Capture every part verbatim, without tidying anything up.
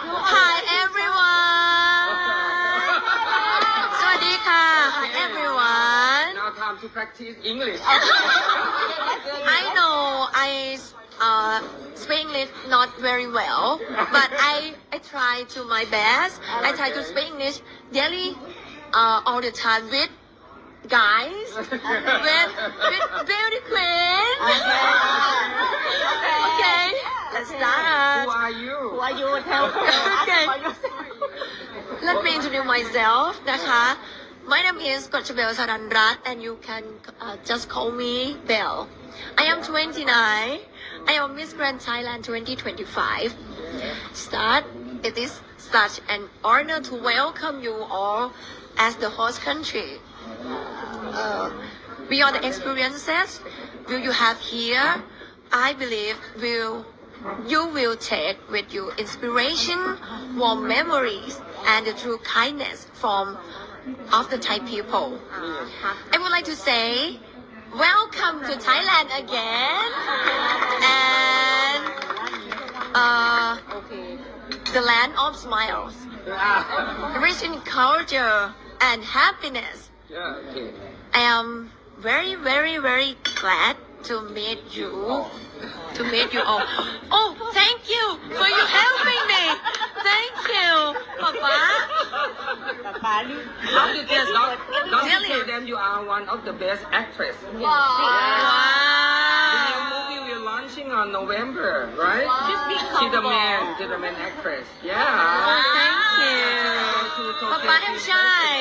Hi everyone สวัสดีค่ะ Hi everyone Now time to practice English. I know I uh, speak English not very well but I I try to my best I try to speak English daily uh, all the time with guys with with beauty queen okay let's Who start are you? Who are you? Tell Okay. about yourself. Let me introduce myself นะคะ My name is กฎชเบล สรันรัตน์ and you can uh, just call me Bell I am twenty-nine I am Miss Grand Thailand twenty twenty-five Start It is such an honor to welcome you all as the host country uh, Beyond the experiences will you have here I believe will you will take with you inspiration, warm memories, and the true kindness from of the Thai people. I would like to say, welcome to Thailand again, and uh, the land of smiles, rich in culture and happiness. Yeah, okay. I am very, very, very glad to meet you. To meet you all. Oh, thank you for you helping me. Thank you, Papa. Papa, you- Don't you tell, don't, don't you Really? tell them you are one of the best actress. The new Wow. movie we're launching on November, right? Just be She's the humble. man, she's the man actress. Yeah. Oh, thank you. To Tokyo Papa, I'm Princess. shy.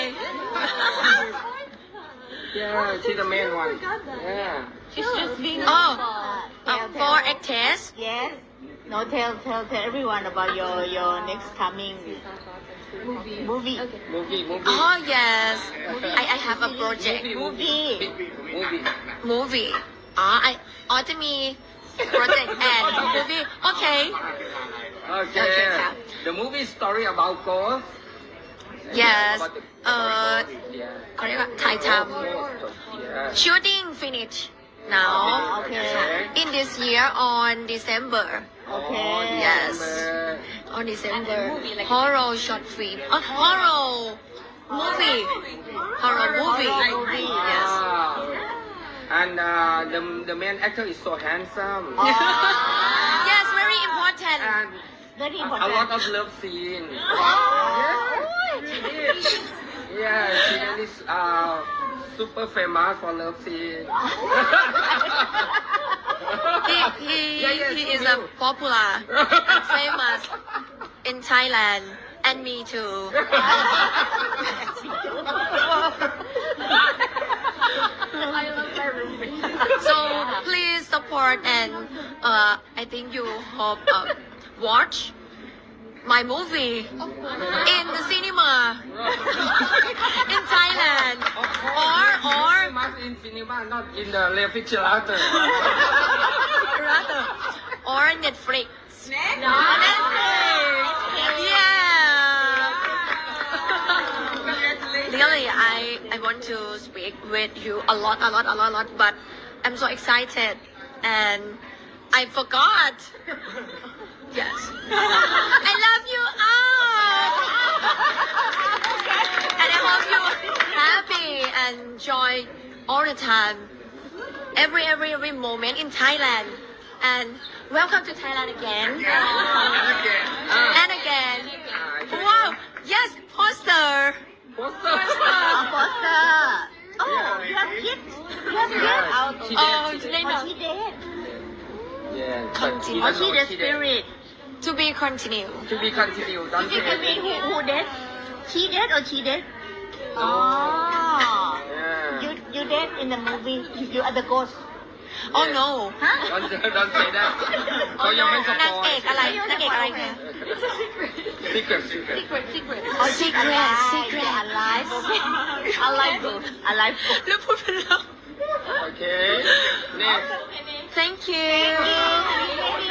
Yeah, she's the main one. Yeah. She's just being Oh, humble. uh, Tell- for tell- actors, Yes. No, tell tell tell everyone about your your next coming movie. Movie. Movie, movie. oh yes, I, I have a project Movie. Movie. movie. อ๋อ I อ๋อจะมี project and movie โอเค Okay. Okay, yeah. The movie story about ghosts. yes About the- เอ่อ Yeah. เขาเรียกว่าถ่ายท Yeah. ำ shooting finish now Okay. in this year on December Okay. Yes. on December horror short film oh, horror movie horror movie Horror movie. yes Ah. And uh, the the main actor is so handsome. Oh, yes very important And very a, a important. lot of love scene. Oh. She did. Yeah, she is uh, super famous for love scene. he he, Yeah, yeah, he she is a knew. popular and famous in Thailand and me too so please support and uh, I think you hope uh, watch my movie in the cinema in Thailand or or Famous in cinema, not in the refrigerator. rather or Netflix no Netflix yeah really I I want to speak with you a lot a lot a lot a lot but I'm so excited and I forgot yes I love you all and I hope you happy and joy all the time every every every moment in Thailand and welcome to Thailand again Ah, and again ah, wow yes poster Poster. Oh, poster. Oh, you have kids. You have kids. Yeah, Out. she oh did, she they did. Oh, know she dead. Yeah, but Continue. he Oh, doesn't she know the she dead. spirit. to be continue To be continued. Don't She say can mean who anything. who dead? She dead or she dead? Oh. Yeah. You you dead in the movie. You are the ghost. oh no Huh? Don't say, don't say that. เขายังไม่สปนางอเอย กอะไรนางเอกอะไรคะ Secret, secret. Oh, secret alive. secret You're alive. Okay. Alive ghost. Alive ghost. แล้วพูดเป็นเรา Okay. Next. thank you Thank you.